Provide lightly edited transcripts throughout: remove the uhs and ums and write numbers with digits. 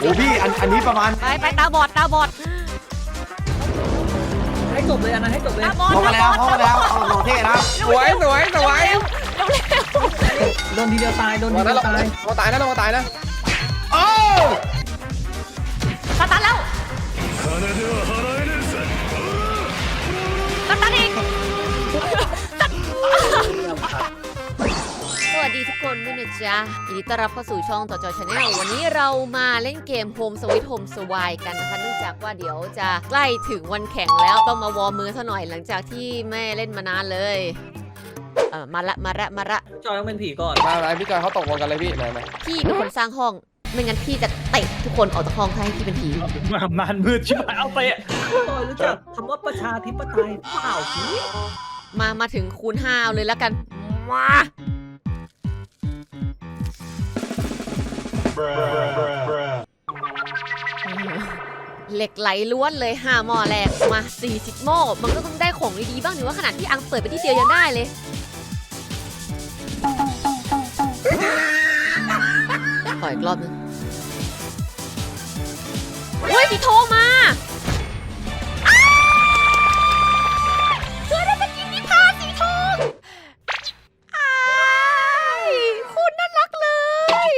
อ้พี่อันนี้ประมาณไปตาบอดให้จบเลยอันนั้นให้จบเลยตาบอดเข้ามาแล้วเอาหล่อเท่นะสวยเร็วโดนทีเดียวตายโดนทีเดียวตายเราตายนะเราตายนะโอ้สตาร์ทแล้วสตาร์ทอีกสวัสดีทุกคนด้วยนะจ๊ะยินดีต้อนรับเข้าสู่ช่องต่อจอชาแนลวันนี้เรามาเล่นเกม Home Sweet Home Swine กันนะคะเนื่องจากว่าเดี๋ยวจะใกล้ถึงวันแข่งแล้วต้องมาวอร์มมือซะหน่อยหลังจากที่แม่เล่นมานานเลยมาละจอยต้องเป็นผีก่อนมาอะไรพี่จอยเขาตกลงกันเลยพี่มาพี่เป็นคนสร้างห้องไม่งั้นพี่จะเตะทุกคนออกจากห้องถ้าให้พี่เป็นผีมันมืดชิบหายเอาไปจอยรู้จักคำว่าประชาธิปไตยเปล่าพี่มาถึงคูณ5เอาเลยแล้วกันมาเหล็กไหลล้วนเลย5หม้อแรกมา40หม้อมันก็ต้องได้ของดีๆบ้างหรือว่าขนาดที่อังเปิดไปที่เดียวยังได้เลยขออีกรอบนึงเฮ้ยพี่โทรมาเจอได้มากินนิพาสีทองคุณน่ารักเลย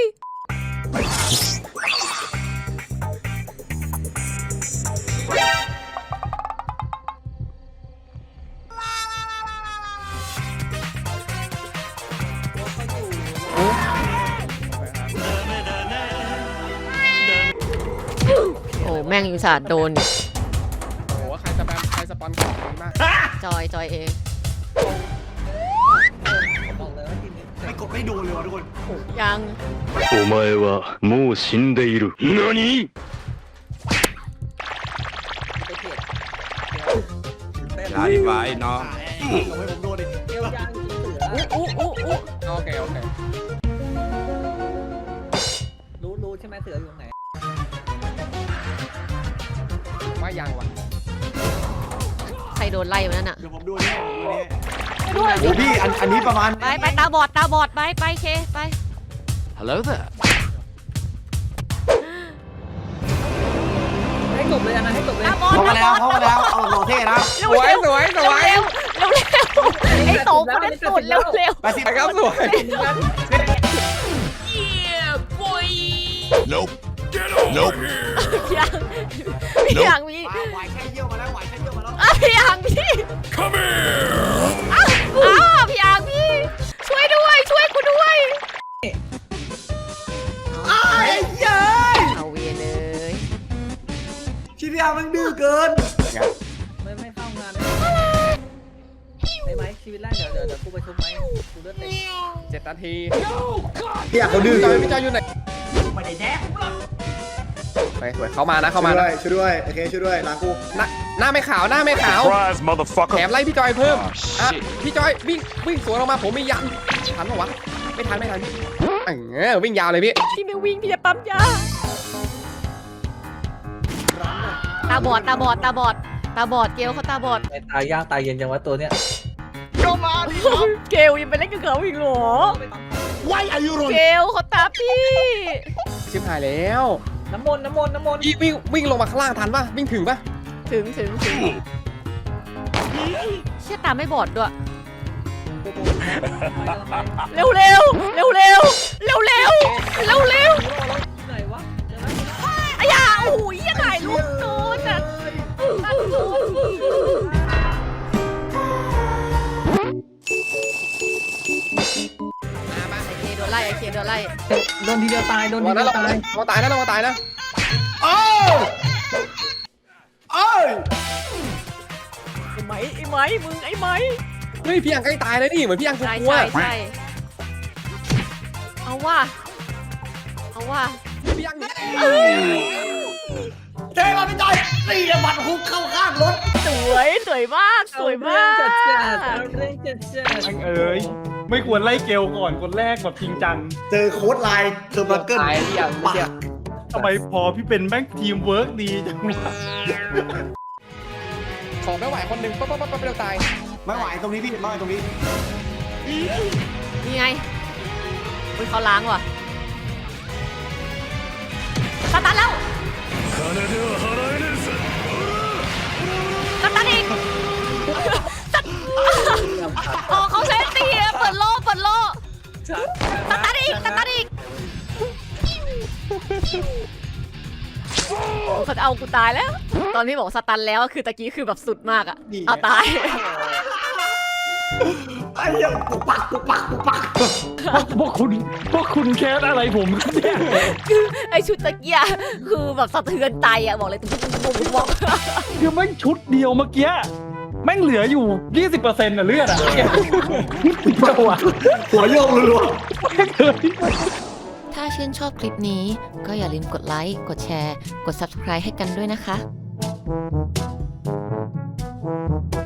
โอ้แม่งยุงศาสตร์โดนโอ้ใครสปอนของดีมากจอยเองไม่กดไม่ดูเลยวะทุกคนยังお前はもう死んでいる何ลาดีไปเนาะไม่ผมโดนดิเอวยางเสือโอเครู้ใช่ไหมเสืออยู่ตรงไหนว่ายังวะใครโดนไล่มานั่นน่ะเดี๋ยวผมดูนี่โอ้พี่อันนี้ประมาณไปตาบอดไปเคไป Hello there ให้จบเลยอันนั้นให้จบเลยตาบอดเข้ามาแล้วเอาหล่อเท่นะสวยเร็วไอ้โตคนนั้นสุดเร็วไปครับสวย Nope Nope พี่ยังมีไหวแค่เยี่ยวมาแล้วพี่ยังพี่ Come here พี่ยังพี่ช่วยกูด้วยเย้ยเอาเวียนเลยชีวิตมันดื้อเกินไม่เข้างานได้ไหมชีวิตแรกเดี๋ยวกูไปชุบไหมกูเลือดเต็ม 7 นาทีพี่อยากเขาดื้อพี่จอยอยู่ไหนไม่ได้แดกไปสวยเข้ามานะช่วยด้วยโอเคช่วยด้วยล้างกูหน้าไม่ขาวแถมไล่พี่จอยเพิ่มพี่จอยวิ่งสวนออกมาผมไม่ยันทันหรอวะไม่ทันวิ่งยาวเลยพี่ไม่วิ่งพี่จะปั๊มยาตาบอดเกลเขาตาบอดตายยากตายเย็นจังวะตัวเนี้ยก็มาดิเกลยังไปเล่นกับเขาอีกเหรอเกลเขาตาพี่ชิบหายแล้วน้ำมนต์วิ่งลงมาข้างล่างทันป่ะวิ่งถึงป่ะถึงเชี่ยตาไม่บอดด้วยเร็วไหนวะไอ้ยาโอ้ยยังไงลูกโดนอ่ะไอเคโดนไล่โดนทีเดียวตายเราตายนะโอ้ยไอ้ไหมมึงไอ้ไหมเฮ้ยพี่ยังใกล้ตายเลยนี่เหมือนพี่ยังกลัวใช่เอาว่าพี่ยังเท่มาพี่จอยตีระบัดฮุกเข้าข้างรถสวยมากจัดไม่ควรไล่เกลก่อนคนแรกแบบจริงจังเจอโค้ดไลน์เทอร์บัคเกิลทำไมพอพี่เป็นแม่งทีมเวิร์กดีจังวะของไม่ไหวคนหนึ่งปั๊บเร็วตายไม่ไหวตรงนี้พี่ไม่ไหวตรงนี้นี่ไงเขาล้างว่ะสตาร์ทแล้วสตันอีกอ๋อเขาใช้ตีอะเปิดโล่สตันอีกเขาจะเอากูตายแล้ว ตอนที่บอกสตันแล้วคือตะกี้คือแบบสุดมากอะเอาตายพวกคุณแคสอะไรผมเนี่ยคือไอชุดตะเกียคือแบบสะเทือนใจอะบอกเลยบอกคือแม่งชุดเดียวเมื่อกี้แม่งเหลืออยู่ 20%น่ะเลือดอ่ะหัวโยกรัวๆแม่งเลยถ้าชื่นชอบคลิปนี้ก็อย่าลืมกดไลค์ กดแชร์ กด Subscribe ให้กันด้วยนะคะ